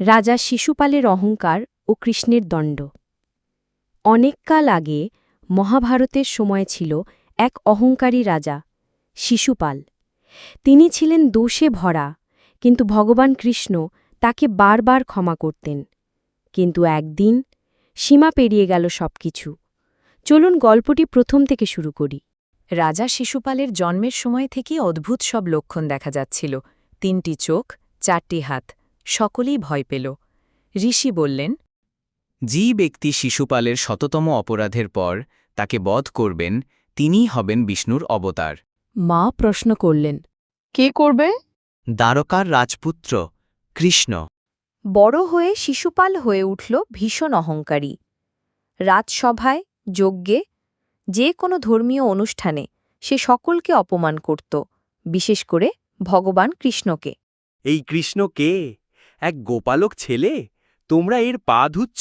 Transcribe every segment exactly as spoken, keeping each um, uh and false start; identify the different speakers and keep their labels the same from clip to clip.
Speaker 1: রাজা শিশুপালের অহংকার ও কৃষ্ণের দণ্ড। অনেককাল আগে মহাভারতের সময় ছিল এক অহংকারী রাজা, শিশুপাল। তিনি ছিলেন দোষে ভরা, কিন্তু ভগবান কৃষ্ণ তাকে বারবার ক্ষমা করতেন। কিন্তু একদিন সীমা পেরিয়ে গেল সবকিছু। চলুন গল্পটি প্রথম থেকে শুরু করি।
Speaker 2: রাজা শিশুপালের জন্মের সময় থেকেই অদ্ভুত সব লক্ষণ দেখা যাচ্ছিল। তিনটি চোখ, চারটি হাত, সকলেই ভয় পেল। ঋষি বললেন,
Speaker 3: যে ব্যক্তি শিশুপালের শততম অপরাধের পর তাকে বধ করবেন তিনিই হবেন বিষ্ণুর অবতার।
Speaker 1: মা প্রশ্ন করলেন,
Speaker 4: কে করবে?
Speaker 3: দ্বারকার রাজপুত্র কৃষ্ণ।
Speaker 1: বড় হয়ে শিশুপাল হয়ে উঠল ভীষণ অহংকারী। রাজসভায়, যজ্ঞে, যে কোনো ধর্মীয় অনুষ্ঠানে সে সকলকে অপমান করত, বিশেষ করে ভগবান কৃষ্ণকে।
Speaker 5: এই কৃষ্ণ কে? এক গোপালক ছেলে? তোমরা এর পা ধুচ্ছ?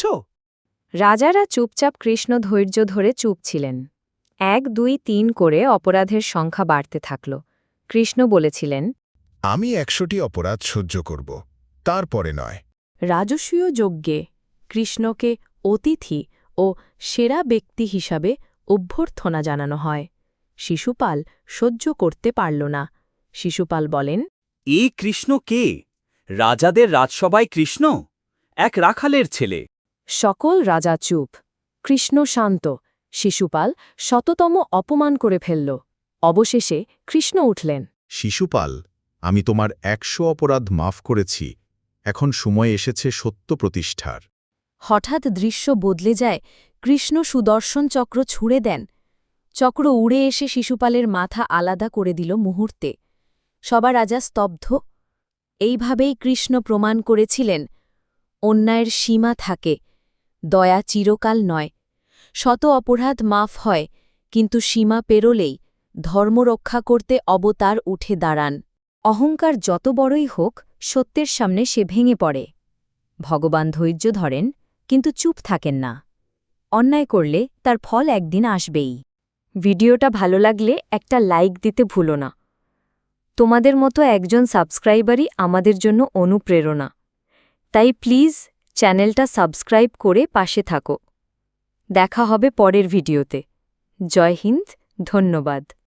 Speaker 1: রাজারা চুপচাপ কৃষ্ণ ধৈর্য ধরে চুপ ছিলেন। এক দুই তিন করে অপরাধের সংখ্যা বাড়তে থাকল। কৃষ্ণ বলেছিলেন,
Speaker 6: আমি একশোটি অপরাধ সহ্য করব, তারপরে নয়।
Speaker 1: রাজসূয় যজ্ঞে কৃষ্ণকে অতিথি ও সেরা ব্যক্তি হিসাবে অভ্যর্থনা জানানো হয়। শিশুপাল সহ্য করতে পারল না। শিশুপাল বলেন,
Speaker 5: এই কৃষ্ণ কে? রাজাদের রাজসভায় কৃষ্ণ? এক রাখালের ছেলে।
Speaker 1: সকল রাজা চুপ। কৃষ্ণ শান্ত। শিশুপাল শততম অপমান করে ফেলল। অবশেষে কৃষ্ণ উঠলেন।
Speaker 6: শিশুপাল, আমি তোমার একশো অপরাধ মাফ করেছি, এখন সময় এসেছে সত্য প্রতিষ্ঠার।
Speaker 1: হঠাৎ দৃশ্য বদলে যায়। কৃষ্ণ সুদর্শন চক্র ছুঁড়ে দেন। চক্র উড়ে এসে শিশুপালের মাথা আলাদা করে দিল মুহূর্তে। সবার রাজা স্তব্ধ। এইভাবেই কৃষ্ণ প্রমাণ করেছিলেন, অন্যায়ের সীমা থাকে, দয়া চিরকাল নয়। শত অপরাধ মাফ হয়, কিন্তু সীমা পেরোলেই ধর্ম রক্ষা করতে অবতার উঠে দাঁড়ান। অহংকার যত বড়ই হোক, সত্যের সামনে সে ভেঙে পড়ে। ভগবান ধৈর্য ধরেন, কিন্তু চুপ থাকেন না। অন্যায় করলে তার ফল একদিন আসবেই। ভিডিওটা ভালো লাগলে একটা লাইক দিতে ভুলো না। তোমাদের মতো একজন সাবস্ক্রাইবারই আমাদের জন্য অনুপ্রেরণা। তাই প্লিজ চ্যানেলটা সাবস্ক্রাইব করে পাশে থাকো। দেখা হবে পরের ভিডিওতে। জয় হিন্দ, ধন্যবাদ।